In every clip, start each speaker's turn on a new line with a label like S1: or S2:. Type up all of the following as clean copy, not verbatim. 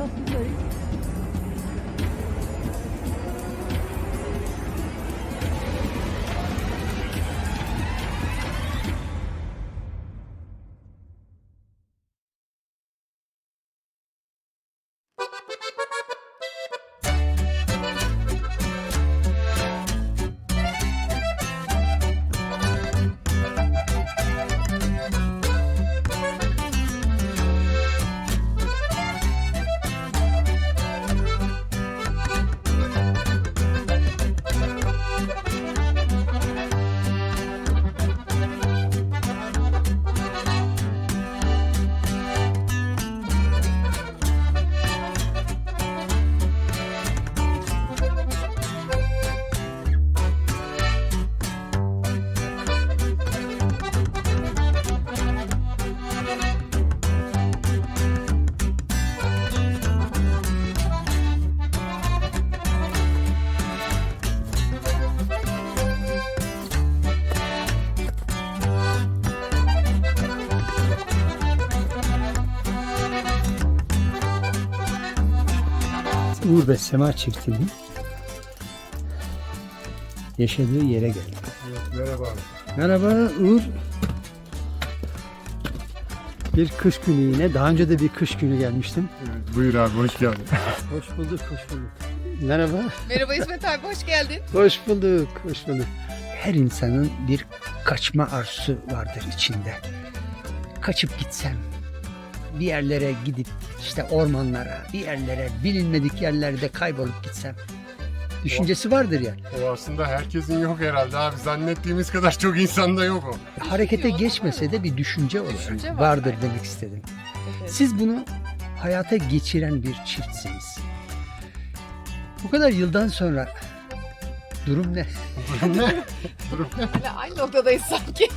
S1: buradayız. Uğur ve Sema çiftinin yaşadığı yere geldik.
S2: Evet, merhaba.
S1: Merhaba Uğur. Bir kış günü yine. Daha önce de bir kış günü gelmiştim.
S2: Evet, buyur abi, hoş geldin.
S1: Hoş bulduk, hoş bulduk. Merhaba.
S3: Merhaba İsmet abi, hoş geldin.
S1: Hoş bulduk, hoş bulduk. Her insanın bir kaçma arzusu vardır içinde. Kaçıp gitsem, bir yerlere gidip işte ormanlara, bir yerlere, bilinmedik yerlerde kaybolup gitsem düşüncesi vardır ya.
S2: O aslında herkesin yok herhalde abi. Zannettiğimiz kadar çok insanda yok o.
S1: Harekete geçmese de bir düşünce olarak
S3: Düşünce var.
S1: vardır demek istedim.
S3: Evet.
S1: Siz bunu hayata geçiren bir çiftsiniz. Bu kadar yıldan sonra durum ne?
S2: Durum ne?
S3: Hala aynı noktadayız sanki.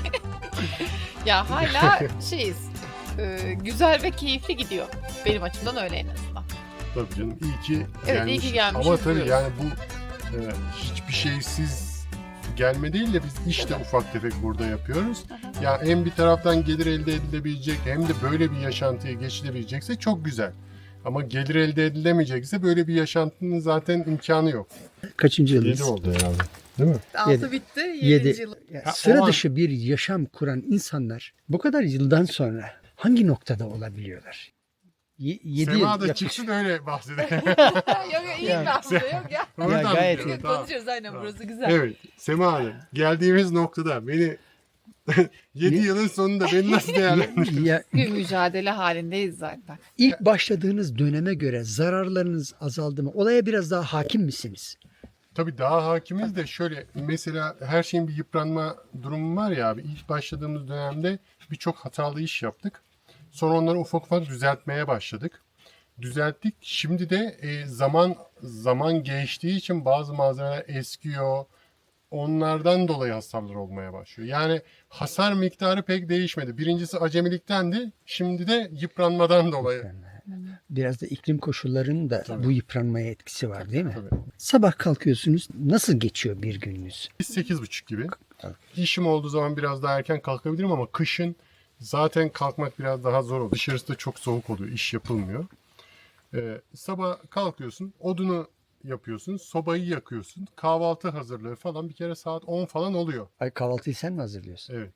S3: Ya hala şeyiz, güzel ve keyifli gidiyor. Benim açımdan öyle en azından.
S2: Tabii canım, iyi ki
S3: Evet, iyi ki gelmişiz
S2: Ama tabii
S3: diyoruz.
S2: yani bu hiçbir şeysiz gelme değil de biz işte ufak tefek burada yapıyoruz. Ya hem bir taraftan gelir elde edilebilecek hem de böyle bir yaşantıya geçilebilecekse çok güzel. Ama gelir elde edilemeyecekse böyle bir yaşantının zaten imkanı yok.
S1: Kaçıncı
S2: 7
S1: yılınız?
S2: oldu herhalde. Değil mi?
S3: 6 bitti, 7.
S1: Yedi.
S3: yıl.
S1: Ya,
S2: Ha,
S1: sıra
S2: o an-
S1: dışı bir yaşam kuran insanlar bu kadar yıldan sonra hangi noktada olabiliyorlar? Yedi
S2: Sema
S1: yıl
S2: da
S1: yaklaşık.
S2: çıksın öyle bahsedelim.
S3: Yok yok, iyi
S1: Yani-
S3: mi aslında, yok ya.
S2: Oradan
S1: gayet
S2: biliyorum,
S1: iyi.
S2: tamam.
S3: Konuşuyoruz aynen, burası güzel.
S2: Evet, Sema Hanım, geldiğimiz noktada beni 7
S1: Ne?
S2: yılın sonunda beni nasıl değerlendiriyorsun?
S1: Ya,
S3: Bir mücadele halindeyiz zaten.
S1: ilk başladığınız döneme göre zararlarınız azaldı mı? Olaya biraz daha hakim misiniz?
S2: Tabii daha hakimiz de şöyle, mesela her şeyin bir yıpranma durumu var ya abi. İlk başladığımız dönemde birçok hatalı iş yaptık. Sonra onları ufak ufak düzeltmeye başladık. Düzelttik. Şimdi de zaman geçtiği için bazı malzemeler eskiyor. Onlardan dolayı hasarlar olmaya başlıyor. Yani hasar miktarı pek değişmedi. Birincisi acemiliktendi. Şimdi de yıpranmadan dolayı.
S1: Biraz da iklim koşullarının da
S2: Tabii.
S1: bu yıpranmaya etkisi var değil mi?
S2: Tabii.
S1: Sabah kalkıyorsunuz. Nasıl geçiyor bir gününüz?
S2: Biz 8.30 gibi.
S1: Evet.
S2: İşim olduğu zaman biraz daha erken kalkabilirim ama kışın zaten kalkmak biraz daha zor oluyor. Dışarısı da çok soğuk oluyor. İş yapılmıyor. Sabah kalkıyorsun. Odunu yapıyorsun. Sobayı yakıyorsun. Kahvaltı hazırlığı falan bir kere saat 10 falan oluyor.
S1: Ay, kahvaltıyı sen mi hazırlıyorsun?
S2: Evet.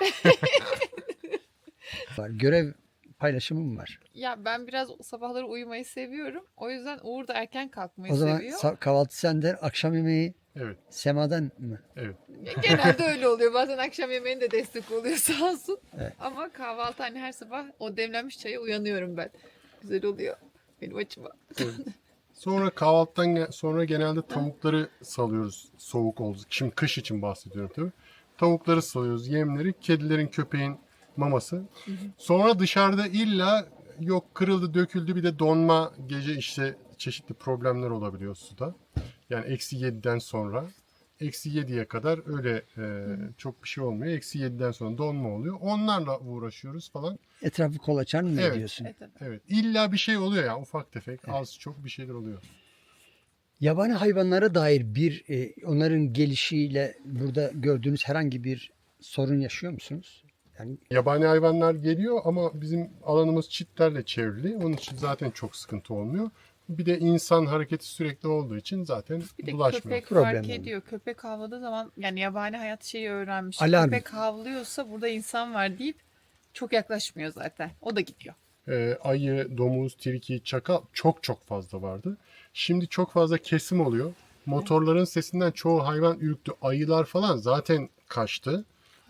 S1: Var. Görev paylaşımı mı var?
S3: Ya ben biraz sabahları uyumayı seviyorum. O yüzden Uğur da erken kalkmayı
S1: O zaman
S3: seviyor.
S1: kahvaltı senden, akşam yemeği
S2: Evet.
S1: Sema'dan mı?
S2: Evet.
S3: Genelde öyle oluyor. Bazen akşam yemeğinde destek oluyor sağ olsun.
S1: Evet.
S3: Ama kahvaltı hani her sabah o demlenmiş çaya uyanıyorum ben. Güzel oluyor benim açıma.
S2: Evet. Sonra kahvaltıdan sonra genelde tavukları salıyoruz soğuk oldu. Şimdi kış için bahsediyorum tabii. Tavukları salıyoruz, yemleri, kedilerin, köpeğin maması. Sonra dışarıda illa yok kırıldı, döküldü, bir de donma, gece işte çeşitli problemler olabiliyor suda. Yani -7'den sonra -7'ye kadar öyle çok bir şey olmuyor. -7'den sonra donma oluyor. Onlarla uğraşıyoruz falan.
S1: Etrafı kolaçan mı
S2: Evet.
S1: ediyorsun?
S3: Evet, evet.
S2: Evet. İlla bir şey oluyor ya, ufak tefek, az çok bir şeyler oluyor.
S1: Yabani hayvanlara dair onların gelişiyle burada gördüğünüz herhangi bir sorun yaşıyor musunuz? Yani
S2: Yabani hayvanlar geliyor ama bizim alanımız çitlerle çevrili. Onun için zaten çok sıkıntı olmuyor. Bir de insan hareketi sürekli olduğu için zaten
S3: Bir de
S2: bulaşmıyor.
S3: köpek
S1: Problem
S3: fark
S1: olmuyor.
S3: ediyor. Köpek havladığı zaman yani yabani hayat şeyi öğrenmiş.
S1: Alarm.
S3: Köpek havlıyorsa burada insan var deyip çok yaklaşmıyor zaten. O da gidiyor.
S2: Ayı, domuz, tilki, çakal çok çok fazla vardı. Şimdi çok fazla kesim oluyor. Motorların sesinden çoğu hayvan ürktü. Ayılar falan zaten kaçtı.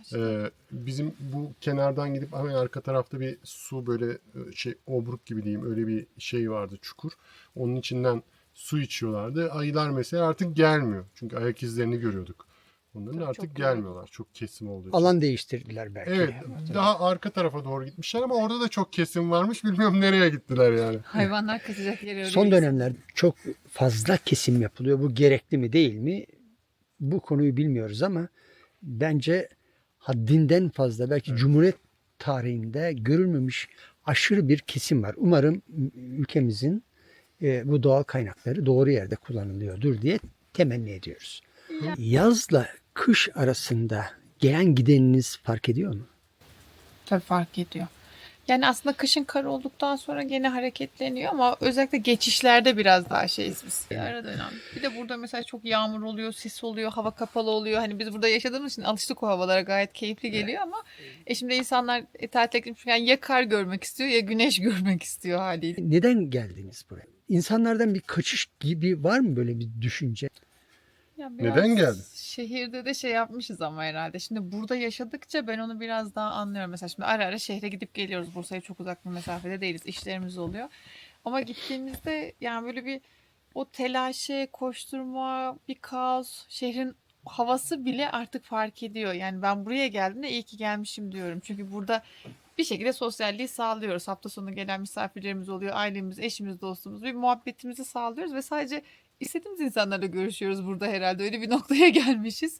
S2: Bizim bu kenardan gidip hemen arka tarafta bir su böyle obruk gibi diyeyim öyle bir şey vardı, çukur. Onun içinden su içiyorlardı. Ayılar mesela artık gelmiyor. Çünkü ayak izlerini görüyorduk. Onların
S3: Tabii
S2: artık
S3: çok
S2: gelmiyorlar. Çok kesim olduğu için.
S1: alan değiştirdiler belki.
S2: Evet, daha arka tarafa doğru gitmişler ama orada da çok kesim varmış. Bilmiyorum nereye gittiler yani.
S3: Hayvanlar kaçacak yeri
S1: Son
S3: arıyor.
S1: dönemlerde çok fazla kesim yapılıyor. Bu gerekli mi değil mi? Bu konuyu bilmiyoruz ama bence haddinden fazla belki Cumhuriyet tarihinde görülmemiş aşırı bir kesim var. Umarım ülkemizin bu doğal kaynakları doğru yerde kullanılıyordur diye temenni ediyoruz. Yazla kış arasında gelen gideniniz fark ediyor mu?
S3: Tabii fark ediyor. Yani aslında kışın kar olduktan sonra gene hareketleniyor ama özellikle geçişlerde biraz daha şeyiz biz. Ara dönem. Bir de burada mesela çok yağmur oluyor, sis oluyor, hava kapalı oluyor. Hani biz burada yaşadığımız için alıştık o havalara, gayet keyifli geliyor ama şimdi insanlar tatile gitmişken ya kar görmek istiyor ya güneş görmek istiyor haliyle.
S1: Neden geldiniz buraya? İnsanlardan bir kaçış gibi var mı böyle bir düşünce?
S3: Ya
S2: Neden geldin?
S3: Şehirde de şey yapmışız ama herhalde. Şimdi burada yaşadıkça ben onu biraz daha anlıyorum. Mesela şimdi ara ara şehre gidip geliyoruz. Bursa'ya çok uzak bir mesafede değiliz. İşlerimiz oluyor. Ama gittiğimizde yani böyle bir o telaşı, koşturma, bir kaos, şehrin havası bile artık fark ediyor. Yani ben buraya geldiğimde iyi ki gelmişim diyorum. Çünkü burada bir şekilde sosyalliği sağlıyoruz. Hafta sonu gelen misafirlerimiz oluyor. Ailemiz, eşimiz, dostumuz. Bir muhabbetimizi sağlıyoruz ve sadece istediğimiz insanlarla görüşüyoruz burada herhalde. Öyle bir noktaya gelmişiz.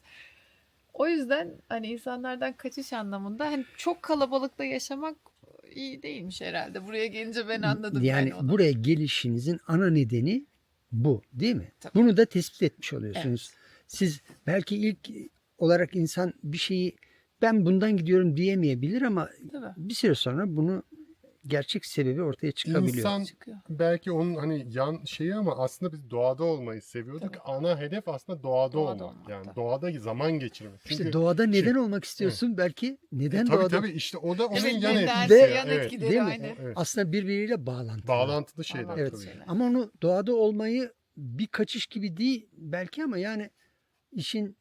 S3: O yüzden hani insanlardan kaçış anlamında hani çok kalabalıkta yaşamak iyi değilmiş herhalde. Buraya gelince ben anladım yani onu.
S1: Buraya gelişinizin ana nedeni bu, değil mi?
S3: Tabii.
S1: Bunu da tespit etmiş oluyorsunuz. Siz belki ilk olarak insan bir şeyi ben bundan gidiyorum diyemeyebilir ama
S3: Tabii.
S1: bir süre sonra bunu gerçek sebebi ortaya çıkabiliyor.
S2: İnsan
S3: Çıkıyor.
S2: belki onun hani yan şeyi ama aslında biz doğada olmayı seviyorduk.
S3: Tabii.
S2: Ana hedef aslında doğada
S3: Doğada
S2: olmak.
S3: olmak,
S2: Yani
S3: tabii.
S2: doğada zaman geçirmek. Çünkü
S1: İşte doğada neden olmak istiyorsun? Belki neden
S2: tabii
S1: doğada?
S2: tabii işte o da onun
S3: Evet,
S2: yan
S3: neden
S2: etkisi.
S3: yan
S2: Evet.
S3: etkileri
S1: Değil mi?
S3: aynı.
S2: Evet.
S1: Aslında birbiriyle bağlantılı.
S2: Bağlantılı şeyler
S3: Bağlantılı
S2: tabii.
S3: şeyler.
S1: Ama onu doğada olmayı bir kaçış gibi değil belki ama yani işin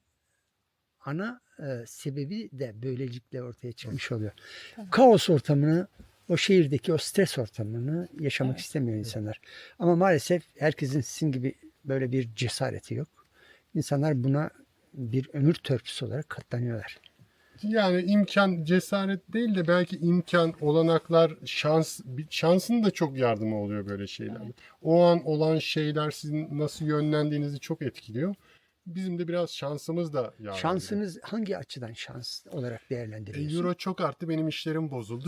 S1: ana sebebi de böylelikle ortaya çıkmış oluyor.
S3: Tabii.
S1: Kaos ortamını, o şehirdeki o stres ortamını yaşamak
S3: Evet.
S1: istemiyor insanlar. Ama maalesef herkesin sizin gibi böyle bir cesareti yok. İnsanlar buna bir ömür törpüsü olarak katlanıyorlar.
S2: Yani imkan, cesaret değil de belki imkan, olanaklar, şansın da çok yardımı oluyor böyle şeylerde. O an olan şeyler sizin nasıl yönlendiğinizi çok etkiliyor. Bizim de biraz şansımız da yardımcı.
S1: Şansınız hangi açıdan şans olarak değerlendiriyorsunuz?
S2: Euro çok arttı, benim işlerim bozuldu.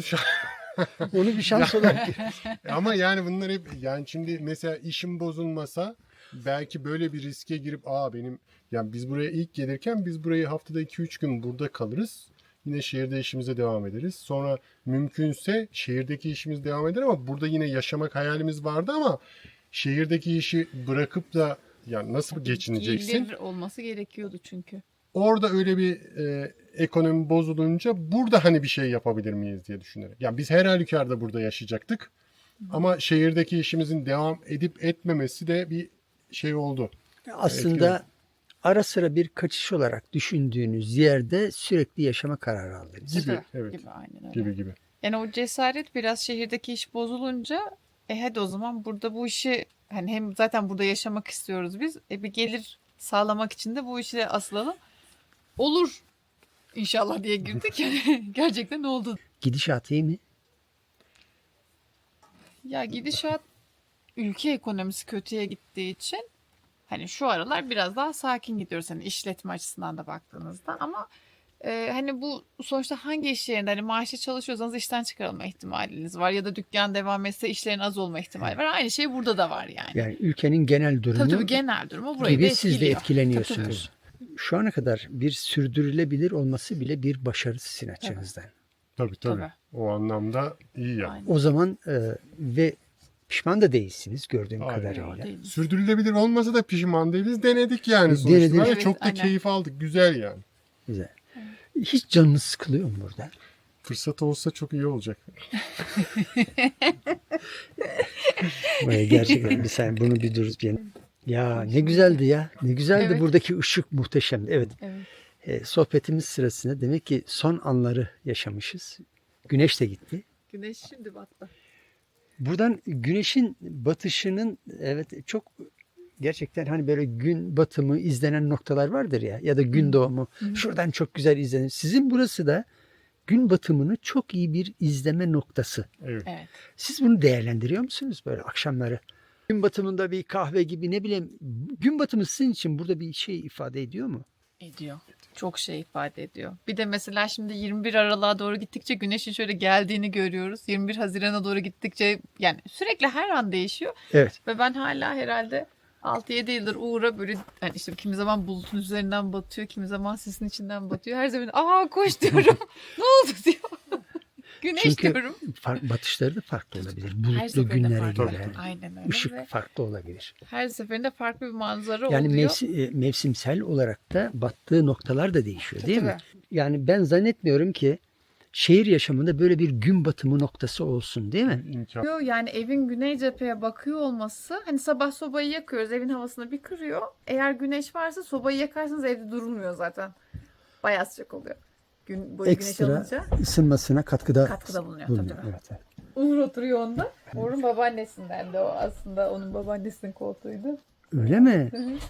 S1: Onu bir şans olarak
S2: Ama yani bunlar hep yani şimdi mesela işim bozulmasa belki böyle bir riske girip benim yani biz buraya ilk gelirken biz burayı haftada 2-3 gün burada kalırız. Yine şehirde işimize devam ederiz. Sonra mümkünse şehirdeki işimiz devam eder ama burada yine yaşamak hayalimiz vardı ama şehirdeki işi bırakıp da yani nasıl geçineceksin?
S3: Gelir olması gerekiyordu çünkü.
S2: Orada öyle bir ekonomi bozulunca burada hani bir şey yapabilir miyiz diye düşünerek. Yani biz her halükarda burada yaşayacaktık. Ama şehirdeki işimizin devam edip etmemesi de bir şey oldu.
S1: aslında ara sıra bir kaçış olarak düşündüğünüz yerde sürekli yaşama kararı aldınız.
S2: Gibi,
S3: Tabii,
S2: evet.
S3: Gibi, aynen öyle.
S2: Gibi.
S3: Yani o cesaret biraz şehirdeki iş bozulunca hadi o zaman burada bu işi hani hem zaten burada yaşamak istiyoruz biz. Bir gelir sağlamak için de bu işe asılalım. Olur inşallah diye girdik. Yani gerçekten oldu.
S1: Gidişat iyi mi?
S3: Ya gidişat ülke ekonomisi kötüye gittiği için hani şu aralar biraz daha sakin gidiyoruz hani işletme açısından da baktığınızda ama hani bu sonuçta hangi iş yerinde hani maaşlı çalışıyorsanız işten çıkarılma ihtimaliniz var ya da dükkan devam etse işlerin az olma ihtimali var. Aynı şey burada da var yani.
S1: Yani ülkenin genel durumu
S3: Tabii genel durumu burayı da
S1: gibi siz de
S3: etkiliyor.
S1: etkileniyorsunuz. Şu ana kadar bir sürdürülebilir olması bile bir başarı sizin açınızdan.
S2: Tabii.
S3: Tabii.
S2: O anlamda iyi yani.
S3: Aynen.
S1: O zaman ve pişman da değilsiniz gördüğüm
S2: Aynen.
S1: kadarıyla.
S3: Değil.
S2: Sürdürülebilir olmasa da pişman değiliz. Denedik yani
S1: Denedik.
S2: sonuçta. Ve
S3: Evet,
S2: çok da
S3: aynen.
S2: keyif aldık. Güzel yani.
S1: Güzel. Hiç canınız sıkılıyor mu burada?
S2: Fırsat olsa çok iyi olacak.
S1: Gerçekten bir saniye bunu bir dur. Ya ne güzeldi ya. Ne güzeldi,
S3: Evet.
S1: buradaki ışık muhteşemdi. Evet.
S3: Evet.
S1: Sohbetimiz sırasında demek ki son anları yaşamışız. Güneş de gitti.
S3: Güneş şimdi battı.
S1: Buradan güneşin batışının evet çok gerçekten hani böyle gün batımı izlenen noktalar vardır ya da gün doğumu. Şuradan çok güzel izlenir. Sizin burası da gün batımını çok iyi bir izleme noktası.
S2: Evet.
S3: Evet.
S1: Siz bunu değerlendiriyor musunuz böyle akşamları? Gün batımında bir kahve gibi ne bileyim, gün batımı sizin için burada bir şey ifade ediyor mu?
S3: Ediyor. Çok şey ifade ediyor. Bir de mesela şimdi 21 Aralık'a doğru gittikçe güneşin şöyle geldiğini görüyoruz. 21 Haziran'a doğru gittikçe yani sürekli her an değişiyor.
S1: Evet.
S3: Ve ben hala herhalde 6-7 yıldır Uğur'a böyle yani işte kimi zaman bulutun üzerinden batıyor, kimi zaman sisin içinden batıyor. Her zaman koş diyorum. Ne oldu diyor. Güneş
S1: Çünkü
S3: diyorum.
S1: batışları da farklı olabilir.
S3: Her
S1: Bulutlu
S3: seferinde
S1: günlere
S3: farklı.
S1: göre.
S3: Aynen öyle.
S1: Işık
S3: Ve
S1: farklı olabilir.
S3: her seferinde farklı bir manzara
S1: Yani
S3: oluyor.
S1: mevsimsel olarak da battığı noktalar da değişiyor değil mi?
S3: Tabii.
S1: Yani ben zannetmiyorum ki şehir yaşamında böyle bir gün batımı noktası olsun değil mi?
S2: İmkan.
S3: Yani evin güney cepheye bakıyor olması hani sabah sobayı yakıyoruz evin havasını bir kırıyor. Eğer güneş varsa sobayı yakarsanız evde durulmuyor zaten. Bayağı sıcak oluyor. Gün boyu güneş
S1: Ekstra
S3: alınca
S1: ısınmasına katkıda
S3: bulunuyor.
S1: bulunuyor.
S3: Tabii.
S1: Evet, evet.
S3: Uğur oturuyor onda. Uğur'un babaannesinden de o aslında onun babaannesinin koltuğuydu.
S1: Öyle mi?
S3: Hı hı.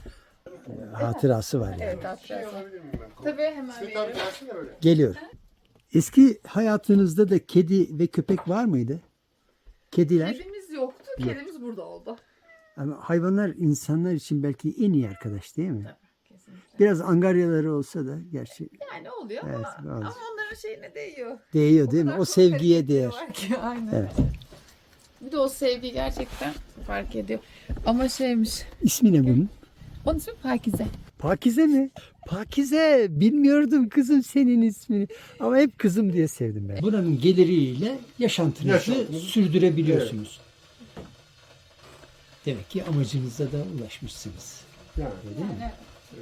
S1: Hatırası var yani.
S3: Evet hatırlarsın. Tabii hemen veriyorum.
S1: Geliyor. Eski hayatınızda da kedi ve köpek var mıydı? Kediler.
S3: Kedimiz yoktu. Kedimiz burada oldu.
S1: Ama hayvanlar insanlar için belki en iyi arkadaş değil mi?
S3: Tabii kesinlikle.
S1: Biraz angaryaları olsa da gerçi
S3: Yani oluyor
S1: Evet,
S3: ama
S1: bazı.
S3: onların şeyine değiyor.
S1: değiyor değil mi?
S3: kadar
S1: O
S3: çok
S1: sevgiye
S3: hareketleri
S1: değer.
S3: var ki, aynen.
S1: Evet.
S3: Bir de o sevgi gerçekten fark ediyor. Ama şeymiş.
S1: İsmi ne bunun?
S3: Onun ismi Pakize.
S1: Pakize mi? Pakize. Bilmiyordum kızım senin ismini. Ama hep kızım diye sevdim ben. Buranın geliriyle yaşantınızı sürdürebiliyorsunuz. Demek ki amacınıza da ulaşmışsınız.
S2: Yani.
S1: Öyle değil mi?
S3: Yani,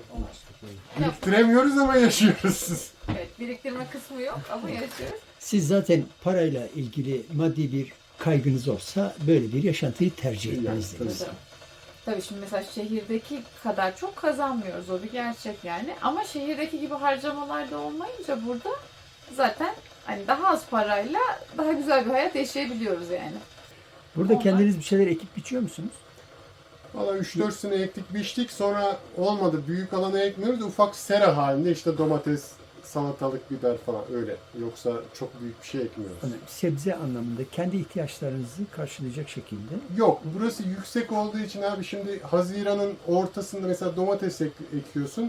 S2: Biriktiremiyoruz ama yaşıyoruz.
S3: evet biriktirme kısmı yok ama yaşıyoruz.
S1: Siz zaten parayla ilgili maddi bir kaygınız olsa böyle bir yaşantıyı tercih etmezdiniz.
S3: Tabii. Tabii şimdi mesela şehirdeki kadar çok kazanmıyoruz o bir gerçek yani. Ama şehirdeki gibi harcamalar da olmayınca burada zaten hani daha az parayla daha güzel bir hayat yaşayabiliyoruz yani.
S1: Burada
S3: Onlar-
S1: kendiniz bir şeyler ekip biçiyor musunuz?
S2: Valla 3-4 sene ektik biçtik sonra olmadı. Büyük alana ekmiyoruz. Ufak sera halinde işte domates, salatalık, biber falan öyle. Yoksa çok büyük bir şey ekmiyoruz.
S1: Hani sebze anlamında kendi ihtiyaçlarınızı karşılayacak şekilde.
S2: Yok burası yüksek olduğu için abi şimdi Haziran'ın ortasında mesela domates ekiyorsun.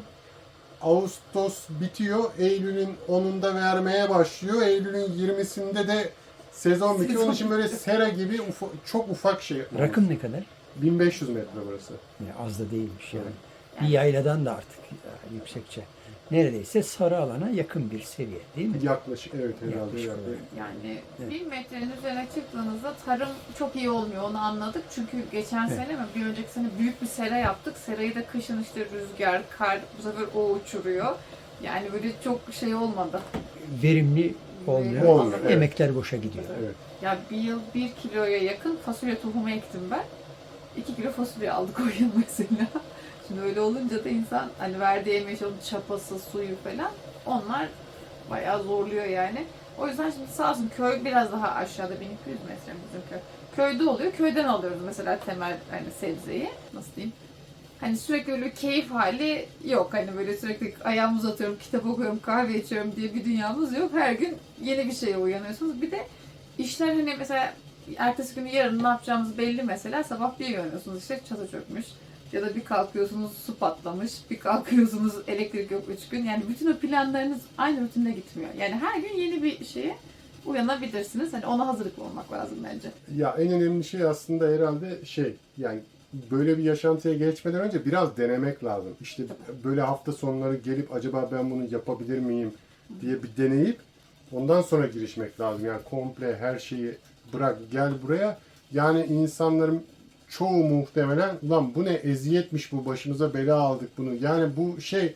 S2: Ağustos bitiyor. Eylül'ün 10'unda vermeye başlıyor. Eylül'ün 20'sinde de sezon bitiyor. Onun için böyle sera gibi çok ufak şey.
S1: Rakım ne kadar?
S2: 1500 metre burası.
S1: Yani az da değilmiş yani. Bir yayladan da artık yüksekçe. Neredeyse sarı alana yakın bir seviye değil mi?
S2: Yaklaşık evet herhalde.
S1: Yaklaşık
S2: yani.
S1: olarak.
S3: Yani
S1: Evet.
S3: 1000 metrenin üzerine çıktığınızda tarım çok iyi olmuyor onu anladık. Çünkü geçen
S1: Evet.
S3: sene mi bir önceki sene büyük bir sera yaptık. Serayı da kışın işte rüzgar, kar bu sefer o uçuruyor. Yani böyle çok şey olmadı.
S1: Verimli olmuyor.
S2: Olmuyor, evet.
S1: Emekler boşa gidiyor.
S2: Evet.
S3: Ya bir yıl 1 kiloya yakın fasulye tohumu ektim ben. 2 kilo fasulye aldık o yıl mesela. Şimdi öyle olunca da insan hani verdiği emeği, onun çapası, suyu falan onlar bayağı zorluyor yani. O yüzden şimdi sağ olsun köy biraz daha aşağıda 1200 metre bizim köy. Köyde oluyor. Köyden alıyoruz mesela temel hani sebzeyi. Nasıl diyeyim? Hani sürekli öyle keyif hali yok. Hani böyle sürekli ayağımı uzatıyorum, kitap okuyorum, kahve içiyorum diye bir dünyamız yok. Her gün yeni bir şeye uyanıyorsunuz. Bir de işler hani mesela ertesi günü yarın ne yapacağımız belli mesela. Sabah bir uyanıyorsunuz işte çatı çökmüş. Ya da bir kalkıyorsunuz su patlamış, bir kalkıyorsunuz elektrik yok 3 gün. Yani bütün o planlarınız aynı rutinde gitmiyor. Yani her gün yeni bir şeye uyanabilirsiniz. Hani ona hazırlıklı olmak lazım bence.
S2: Ya en önemli şey aslında herhalde yani böyle bir yaşantıya geçmeden önce biraz denemek lazım. İşte böyle hafta sonları gelip acaba ben bunu yapabilir miyim diye bir deneyip Ondan sonra girişmek lazım. Yani komple her şeyi bırak gel buraya. Yani insanların çoğu muhtemelen ulan bu ne eziyetmiş bu başımıza bela aldık bunu. Yani bu şey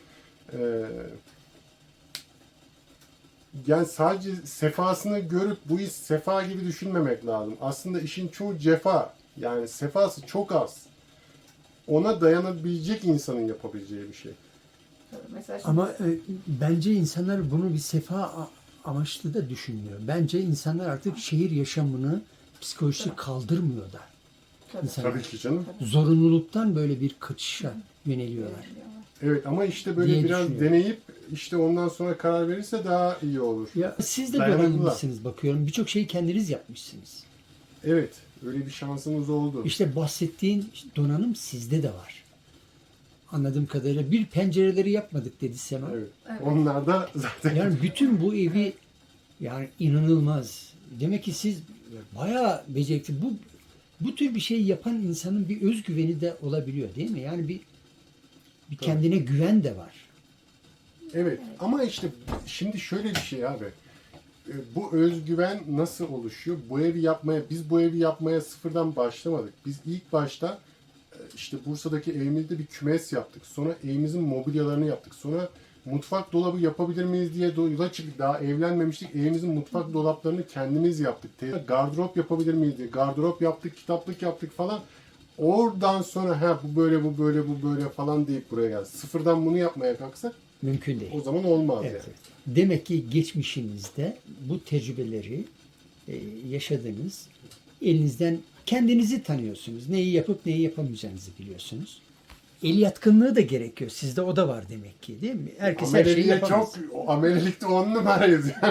S2: yani sadece sefasını görüp bu iş sefa gibi düşünmemek lazım. Aslında işin çoğu cefa. Yani sefası çok az. Ona dayanabilecek insanın yapabileceği bir şey.
S3: Mesela şimdi
S1: Ama bence insanlar bunu bir sefa amaçlı da düşünmüyor. Bence insanlar artık şehir yaşamını psikolojik kaldırmıyor da. İnsanlar
S2: Tabii ki canım.
S1: zorunluluktan böyle bir kaçışa yöneliyorlar.
S2: Evet ama işte böyle
S1: diye
S2: biraz
S1: düşünüyorum.
S2: deneyip işte ondan sonra karar verirse daha iyi olur.
S1: Ya siz de
S2: Dayanıklılar.
S1: donanımlısınız bakıyorum. Birçok şeyi kendiniz yapmışsınız.
S2: Evet, öyle bir şansımız oldu.
S1: İşte bahsettiğin donanım sizde de var. Anladığım kadarıyla bir pencereleri yapmadık dedi Sema.
S2: Evet.
S3: Evet.
S2: Onlar da zaten
S1: Yani bütün bu evi yani inanılmaz. Demek ki siz bayağı becerikli. Bu tür bir şey yapan insanın bir özgüveni de olabiliyor değil mi? Yani bir kendine güven de var.
S2: evet ama işte şimdi şöyle bir şey abi. Bu özgüven nasıl oluşuyor? Biz bu evi yapmaya sıfırdan başlamadık. Biz ilk başta işte Bursa'daki evimizde bir kümes yaptık. Sonra evimizin mobilyalarını yaptık. Sonra mutfak dolabı yapabilir miyiz diye yola çıktık. Daha evlenmemiştik. Evimizin mutfak dolaplarını kendimiz yaptık. Gardırop yapabilir miyiz diye. Gardırop yaptık, kitaplık yaptık falan. Oradan sonra bu böyle bu böyle bu böyle falan deyip buraya geldik. Sıfırdan bunu yapmaya kalksak
S1: Mümkün değil.
S2: o zaman olmaz
S1: Evet,
S2: yani.
S1: evet. Demek ki geçmişinizde bu tecrübeleri yaşadınız. Elinizden kendinizi tanıyorsunuz. Neyi yapıp neyi yapamayacağınızı biliyorsunuz. El yatkınlığı da gerekiyor. Sizde o da var demek ki değil mi? Herkes her şeyi
S2: Amelelikte
S1: yapamaz.
S2: amelelikte 10 numarayız yani.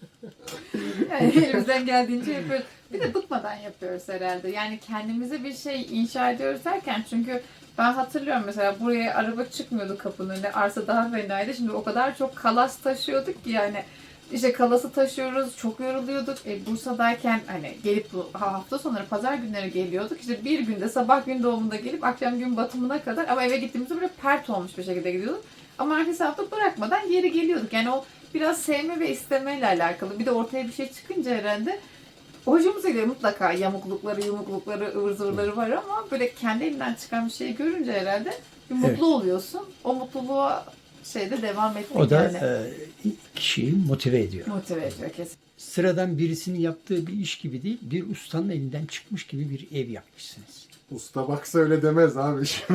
S3: yani elimizden geldiğince yapıyoruz. Bir de bıkmadan yapıyoruz herhalde. Yani kendimize bir şey inşa ediyoruz derken çünkü ben hatırlıyorum mesela buraya araba çıkmıyordu kapının önüne. Arsa daha fenaydı. Şimdi o kadar çok kalas taşıyorduk ki yani işte kalası taşıyoruz. Çok yoruluyorduk. Bursa'dayken hani gelip bu hafta sonları pazar günleri geliyorduk. İşte bir günde sabah gün doğumunda gelip akşam gün batımına kadar ama eve gittiğimizde böyle pert olmuş bir şekilde gidiyorduk. Ama ertesi hafta bırakmadan geri geliyorduk. Yani o biraz sevme ve istemeyle alakalı. Bir de ortaya bir şey çıkınca herhalde hoşumuza gidiyor. Mutlaka yamuklukları, yumuklukları, ıvır zıvırları var ama böyle kendi elinden çıkan bir şeyi görünce herhalde bir mutlu
S1: Evet.
S3: oluyorsun. O mutluluğa devam etmek
S1: O da
S3: yani
S1: kişiyi motive ediyor.
S3: motive ediyor kesin.
S1: Sıradan birisinin yaptığı bir iş gibi değil, bir ustanın elinden çıkmış gibi bir ev yapmışsınız.
S2: Usta baksa öyle demez abi şimdi.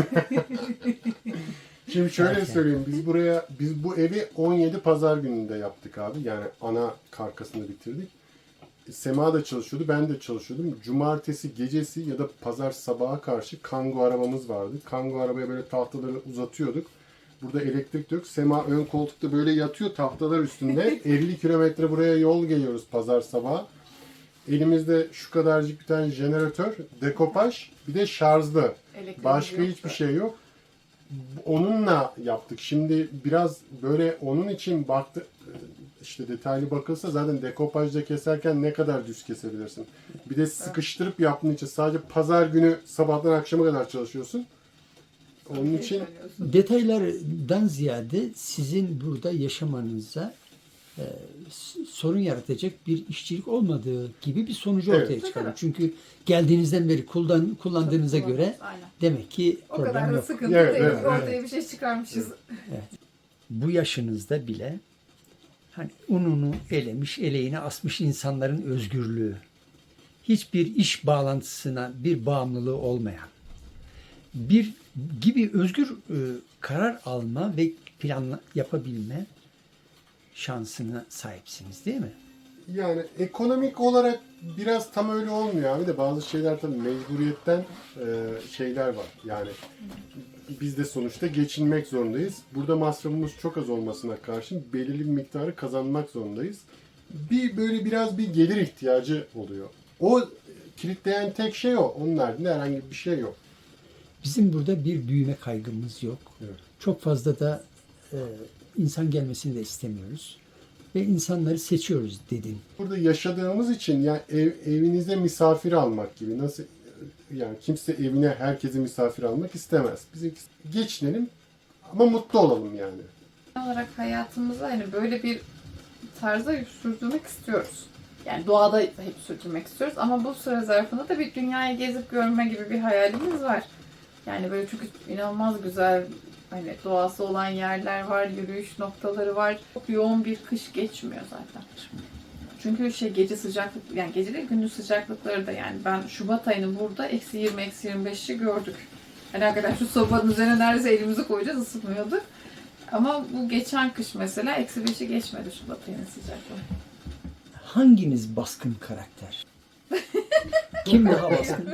S2: Şimdi şöyle
S1: Erken.
S2: söyleyeyim. Biz bu evi 17 pazar gününde yaptık abi. Yani ana karkasını bitirdik. Sema da çalışıyordu, ben de çalışıyordum. Cumartesi gecesi ya da pazar sabaha karşı Kangoo arabamız vardı. Kangoo arabaya böyle tahtaları uzatıyorduk. Burada elektrik de yok. Sema ön koltukta böyle yatıyor tahtalar üstünde. 50 kilometre buraya yol geliyoruz pazar sabahı. Elimizde şu kadarcık bir tane jeneratör, dekopaj, bir de şarjlı.
S3: Elektriğimiz
S2: Başka
S3: yoktu.
S2: hiçbir şey yok. Onunla yaptık. Şimdi biraz böyle onun için baktı işte detaylı bakılsa zaten dekopajda keserken ne kadar düz kesebilirsin. Bir de sıkıştırıp yaptığın için sadece pazar günü sabahtan akşama kadar çalışıyorsun. Onun için
S1: Detaylardan ziyade sizin burada yaşamanıza sorun yaratacak bir işçilik olmadığı gibi bir sonucu
S2: Evet.
S1: ortaya çıkarıyor. Çünkü geldiğinizden beri kullandığınıza göre
S3: Aynen.
S1: demek ki
S3: O kadar
S1: problem
S3: da
S1: yok.
S3: sıkıntı
S2: Evet,
S3: değil.
S2: evet,
S3: Ortaya bir şey çıkarmışız.
S1: Bu yaşınızda bile hani ununu elemiş, eleğine asmış insanların özgürlüğü, hiçbir iş bağlantısına bir bağımlılığı olmayan, bir gibi özgür karar alma ve plan yapabilme şansına sahipsiniz değil mi?
S2: yani ekonomik olarak biraz tam öyle olmuyor abi de bazı şeyler tabii mecburiyetten şeyler var. Yani biz de sonuçta geçinmek zorundayız. Burada masrafımız çok az olmasına karşın belirli bir miktarı kazanmak zorundayız. Böyle biraz bir gelir ihtiyacı oluyor. O kilitleyen tek şey o. Onun haricinde herhangi bir şey yok.
S1: Bizim burada bir büyüme kaygımız yok.
S2: Evet.
S1: Çok fazla da insan gelmesini de istemiyoruz. Ve insanları seçiyoruz dedin.
S2: Burada yaşadığımız için yani evinize misafir almak gibi nasıl yani kimse evine herkesi misafir almak istemez. Biz geçinelim ama mutlu olalım yani.
S3: Genel olarak hayatımıza hani böyle bir tarza sürdürmek istiyoruz. Yani doğada hep sürdürmek istiyoruz ama bu süre zarfında da bir dünyayı gezip görme gibi bir hayalimiz var. Yani böyle çok inanılmaz güzel hani doğası olan yerler var, yürüyüş noktaları var. Çok yoğun bir kış geçmiyor zaten. Çünkü gece sıcaklık, yani gece değil gündüz sıcaklıkları da yani ben Şubat ayının burada -20, -25'i gördük. Hani hakikaten şu sobanın üzerine neredeyse elimizi koyacağız, ısıtmıyorduk. Ama bu geçen kış mesela -5'i geçmedi Şubat ayının sıcaklığı.
S1: Hanginiz baskın karakter? Kim daha baskın?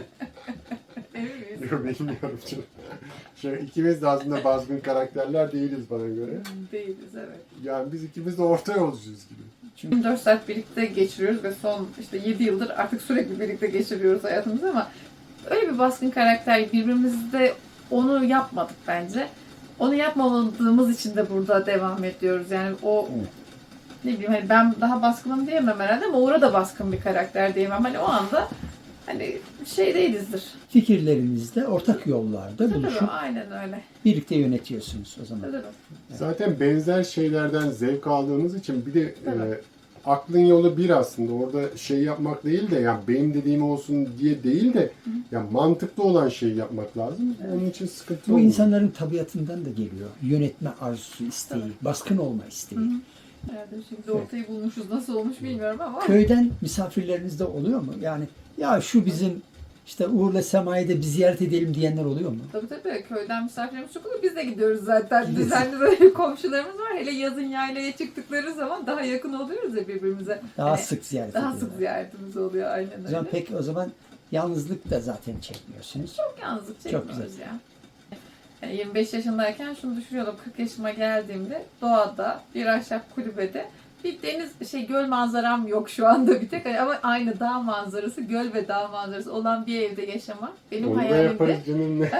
S3: Evet.
S2: Yok bilmiyorum canım. İkimiz de aslında baskın karakterler değiliz bana göre.
S3: Değiliz evet.
S2: Yani biz ikimiz de orta yolcuyuz gibi.
S3: 24 saat birlikte geçiriyoruz ve son 7 yıldır artık sürekli birlikte geçiriyoruz hayatımızı ama öyle bir baskın karakter birbirimizde onu yapmadık bence. Onu yapmadığımız için de burada devam ediyoruz. Yani o ne bileyim hani ben daha baskınım diyemem herhalde ama Uğur'a da baskın bir karakter diyemem. Hani o anda hani değilizdir.
S1: Fikirlerinizde ortak yollarda buluşup
S3: Tabii, aynen öyle.
S1: birlikte yönetiyorsunuz o zaman.
S3: Tabii.
S2: Zaten benzer şeylerden zevk aldığımız için bir de
S3: Evet.
S2: aklın yolu bir aslında. Orada yapmak değil de yani benim dediğim olsun diye değil de yani mantıklı olan şeyi yapmak lazım. Onun için sıkıntı
S1: Bu
S2: olmuyor.
S1: insanların tabiatından da geliyor. Yönetme arzusu, isteği, baskın olma isteği.
S3: Herhalde şimdi ortayı bulmuşuz. Nasıl olmuş bilmiyorum ama.
S1: Köyden misafirleriniz de oluyor mu? Yani ya şu bizim işte Uğur'la Sema'yı da bir ziyaret edelim diyenler oluyor mu?
S3: Tabii köyden misafirlerimiz çok oluyor. Biz de gidiyoruz zaten.
S1: Gidiyorsun.
S3: Düzenli böyle komşularımız var. Hele yazın yaylaya çıktıkları zaman daha yakın oluyoruz ya birbirimize.
S1: Daha
S3: Hani
S1: sık ziyaret
S3: daha
S1: ediyorlar.
S3: sık ziyaretimiz oluyor aynen
S1: O zaman
S3: öyle.
S1: pek o zaman yalnızlık da zaten çekmiyorsunuz.
S3: Çok yalnızlık
S1: Çok
S3: çekmiyoruz ya. Yani 25 yaşındayken şunu düşünüyordum. 40 yaşıma geldiğimde doğada bir ahşap kulübede bir deniz göl manzaram yok şu anda bir tek ama aynı dağ manzarası, göl ve dağ manzarası olan bir evde yaşamak benim
S2: Onu da
S3: hayalimde.
S2: yaparız canım ne?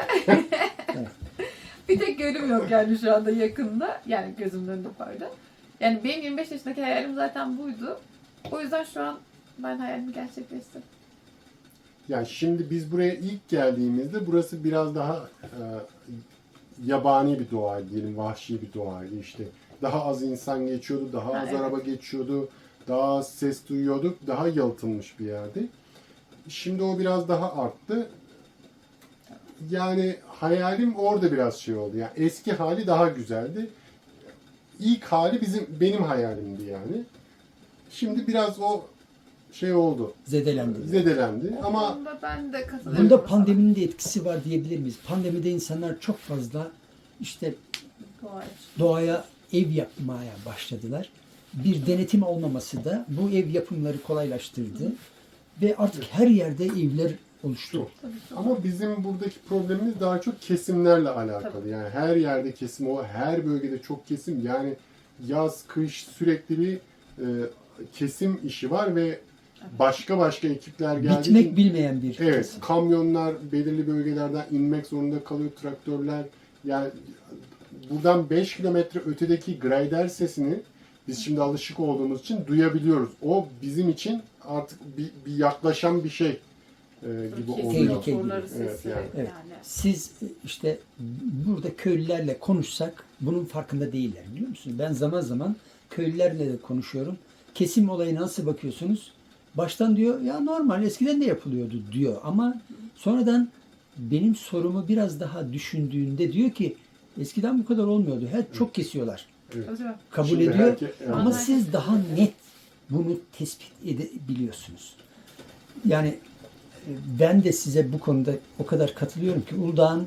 S3: Bir tek gölüm yok yani şu anda yakında. Yani gözümün önünde pardon. Yani benim 25 yaşındaki hayalim zaten buydu. O yüzden şu an ben hayalimi gerçekleştirdim.
S2: Yani şimdi biz buraya ilk geldiğimizde burası biraz daha yabani bir doğaydı diyelim, vahşi bir doğaydı işte. Daha az insan geçiyordu, daha az
S3: evet.
S2: araba geçiyordu, daha az ses duyuyorduk, daha yalıtılmış bir yerdi. Şimdi o biraz daha arttı. Yani hayalim orada biraz oldu. Yani eski hali daha güzeldi. İlk hali benim hayalimdi yani. Şimdi biraz o oldu.
S1: Zedelendi.
S2: Zedelendi ama
S3: Bunda ben de katılıyorum.
S1: Bunda
S3: sana.
S1: pandeminin de etkisi var diyebilir miyiz? Pandemide insanlar çok fazla işte
S3: Doğru.
S1: doğaya ev yapmaya başladılar. Bir denetim olmaması da bu ev yapımları kolaylaştırdı. Ve artık her yerde evler oluştu.
S3: Tabii.
S2: ama bizim buradaki problemimiz daha çok kesimlerle alakalı.
S3: Tabii.
S2: Yani her yerde kesim, her bölgede çok kesim. Yani yaz, kış sürekli bir kesim işi var ve başka ekipler geldiği için
S1: Bitmek bilmeyen bir
S2: evet,
S1: kesim.
S2: kamyonlar belirli bölgelerden inmek zorunda kalıyor, traktörler. Yani buradan 5 kilometre ötedeki grader sesini biz şimdi alışık olduğumuz için duyabiliyoruz. O bizim için artık bir yaklaşan bir şey gibi
S3: Kesin
S2: oluyor.
S1: Tehlikeli.
S3: motorları
S2: Evet,
S3: sesi
S2: yani.
S1: Evet.
S3: yani.
S1: Siz işte burada köylülerle konuşsak bunun farkında değiller biliyor musunuz? Ben zaman zaman köylülerle de konuşuyorum. Kesim olayına nasıl bakıyorsunuz? Baştan diyor ya normal eskiden de yapılıyordu diyor ama sonradan benim sorumu biraz daha düşündüğünde diyor ki eskiden bu kadar olmuyordu. Çok kesiyorlar.
S3: Tabii.
S1: Kabul
S2: Şimdi
S1: ediyor
S2: evet.
S1: ama siz daha net bunu tespit edebiliyorsunuz. Yani ben de size bu konuda o kadar katılıyorum ki Uludağ'ın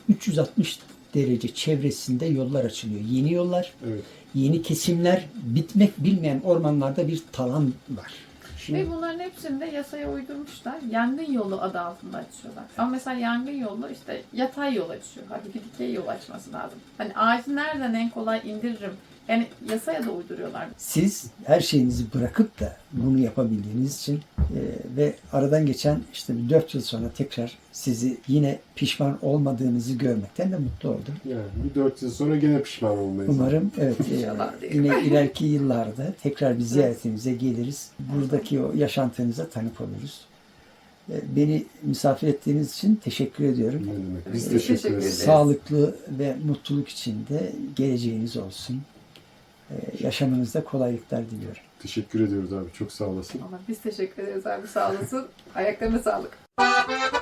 S1: 360 derece çevresinde yollar açılıyor. Yeni yollar,
S2: Evet.
S1: yeni kesimler, bitmek bilmeyen ormanlarda bir talan var.
S2: Şimdi
S3: Ve bunların hepsini de yasaya uydurmuşlar. Yangın yolu adı altında açıyorlar. Ama mesela yangın yolu yatay yol açıyor. Halbuki dikey yol açması lazım. Hani ağacı nereden en kolay indiririm? Yani yasaya da uyduruyorlar.
S1: Siz her şeyinizi bırakıp da bunu yapabildiğiniz için ve aradan geçen 4 yıl sonra tekrar sizi yine pişman olmadığınızı görmekten de mutlu oldum.
S2: yani bir 4 yıl sonra gene pişman olmayız.
S1: Umarım
S3: İnşallah diyelim.
S1: yine ileriki yıllarda tekrar bir ziyaretinize geliriz. Buradaki o yaşantınıza tanık oluruz. Beni misafir ettiğiniz için teşekkür ediyorum.
S2: Ne demek? Biz
S3: Biz
S2: teşekkür
S3: teşekkür
S2: ederiz.
S3: ederiz.
S1: Sağlıklı ve mutluluk içinde geleceğiniz olsun. yaşamınızda kolaylıklar diliyorum.
S2: Teşekkür ediyoruz abi. Çok sağ olasın.
S3: Biz teşekkür ederiz abi, sağ olasın. Ayaklarına sağlık.